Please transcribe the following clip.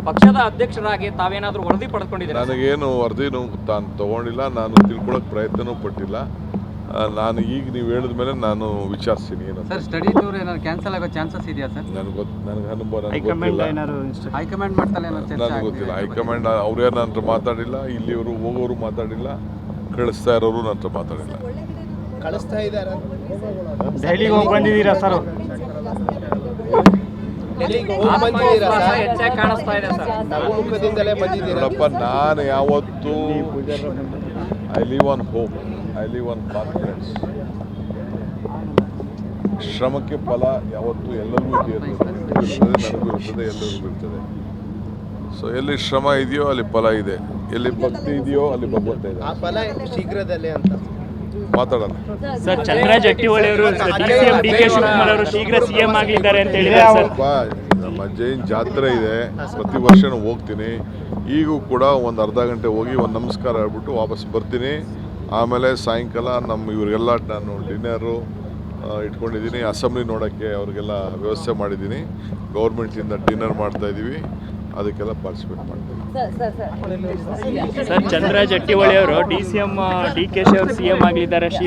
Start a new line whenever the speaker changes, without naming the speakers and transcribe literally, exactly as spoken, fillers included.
ಪಕ್ಷದ ಅಧ್ಯಕ್ಷರಾಗಿ ತಾವೇನಾದರೂ ವರದಿ ಪಡೆದುಕೊಂಡಿದ್ದೀರಾ?
ನನಗೇನು ವರದಿನೂ ತಾನು ತೊಗೊಂಡಿಲ್ಲ, ನಾನು ತಿಳ್ಕೊಳ್ಳೋಕೆ ಪ್ರಯತ್ನವೂ ಪಟ್ಟಿಲ್ಲ. ನಾನು ಈಗ ನೀವು ಹೇಳಿದ ಮೇಲೆ ನಾನು ವಿಚಾರಿಸ್ತೀನಿ ಏನಂತ.
ಸರ್ ಸ್ಟಡಿ ಟೂರ್ ಏನಾದ್ರು ಕ್ಯಾನ್ಸಲ್ ಆಗೋ ಚಾನ್ಸಸ್ ಇದೆಯಾ ಸರ್?
ನನಗೆ ಗೊತ್ತು, ನನಗೆ ಅನುಭವ ನನಗೆ ಗೊತ್ತಿಲ್ಲ.
ಹೈಕಮಾಂಡ್ ಮಾಡ್ತಾರೆ
ನನಗೆ ಗೊತ್ತಿಲ್ಲ. ಹೈಕಮಾಂಡ್ ಅವ್ರೇನು ನನ್ನ ಹತ್ರ ಮಾತಾಡಿಲ್ಲ, ಇಲ್ಲಿಯವರು ಹೋಗೋರು ಮಾತಾಡಿಲ್ಲ, ಕಳಿಸ್ತಾ ಇರೋರು ನನ್ನ ಹತ್ರ ಮಾತಾಡಿಲ್ಲ.
ಕಳಿಸ್ತಾ ಇದ್ದಾರೆ.
ದೆಹಲಿಗೆ ಹೋಗಿ ಬಂದಿದ್ದೀರಾ ಸರ್?
ಹೆಚ್ಚಾಗಿ ಕಾಣಿಸ್ತಾ ಇದೆ ಸರ್.
ನಗುಮುಖದಿಂದಲೇ ಬಂದಿದ್ದೀರಾ?
ನೋಡಪ್ಪ, ನಾನು ಯಾವತ್ತೂ I live on hope, I live on confidence. ಶ್ರಮಕ್ಕೆ ಫಲ ಯಾವತ್ತೂ ಎಲ್ಲರಿಗೂ ಇರ್ತದೆ, ನನಗೂ ಇರ್ತದೆ, ಎಲ್ಲರಿಗೂ ಇರ್ತದೆ. ಸೊ ಎಲ್ಲಿ ಶ್ರಮ ಇದೆಯೋ ಅಲ್ಲಿ ಫಲ ಇದೆ, ಎಲ್ಲಿ ಭಕ್ತಿ ಇದೆಯೋ ಅಲ್ಲಿ ಭಗವಂತ ಇದೆ.
ಆ ಫಲ ಶೀಘ್ರದಲ್ಲೇ ಅಂತ
ಮಾತಾಡೋಣ.
ಸರ್, ಚಂದ್ರ ಜಟ್ಟಿಹೊಳಿ ಅವರು ಸಿಎಂ ಡಿ ಕೆ ಶಿವಕುಮಾರ್ ಅವರು ಶೀಘ್ರ ಸಿಎಂ ಆಗಲಿದ್ದಾರೆ ಅಂತ ಹೇಳಿದ್ದಾರೆ ಸರ್.
ನಮ್ಮ ಜೈನ್ ಜಾತ್ರೆ ಇದೆ, ಪ್ರತಿ ವರ್ಷನೂ ಹೋಗ್ತೀನಿ. ಈಗೂ ಕೂಡ ಒಂದು ಅರ್ಧ ಗಂಟೆ ಹೋಗಿ ಒಂದು ನಮಸ್ಕಾರ ಹೇಳ್ಬಿಟ್ಟು ವಾಪಸ್ ಬರ್ತೀನಿ. ಆಮೇಲೆ ಸಾಯಂಕಾಲ ನಮ್ಮ ಇವರಿಗೆಲ್ಲ ನಾನು ಡಿನ್ನರು ಇಟ್ಕೊಂಡಿದ್ದೀನಿ. ಅಸೆಂಬ್ಲಿ ನೋಡೋಕ್ಕೆ ಅವ್ರಿಗೆಲ್ಲ ವ್ಯವಸ್ಥೆ ಮಾಡಿದ್ದೀನಿ. ಗೌರ್ಮೆಂಟಿಂದ ಡಿನ್ನರ್ ಮಾಡ್ತಾಯಿದ್ದೀವಿ, ಅದಕ್ಕೆಲ್ಲ ಪಾರ್ಟಿಸಿಪೇಟ್ ಮಾಡ್ತೀನಿ.
ಸರ್, ಚಂದ್ರ ಜಟ್ಟಿಹೊಳಿ ಅವರು D C M D K ಶಿ ಅವರು ಸಿಎಂ ಆಗಲಿದ್ದಾರೆ.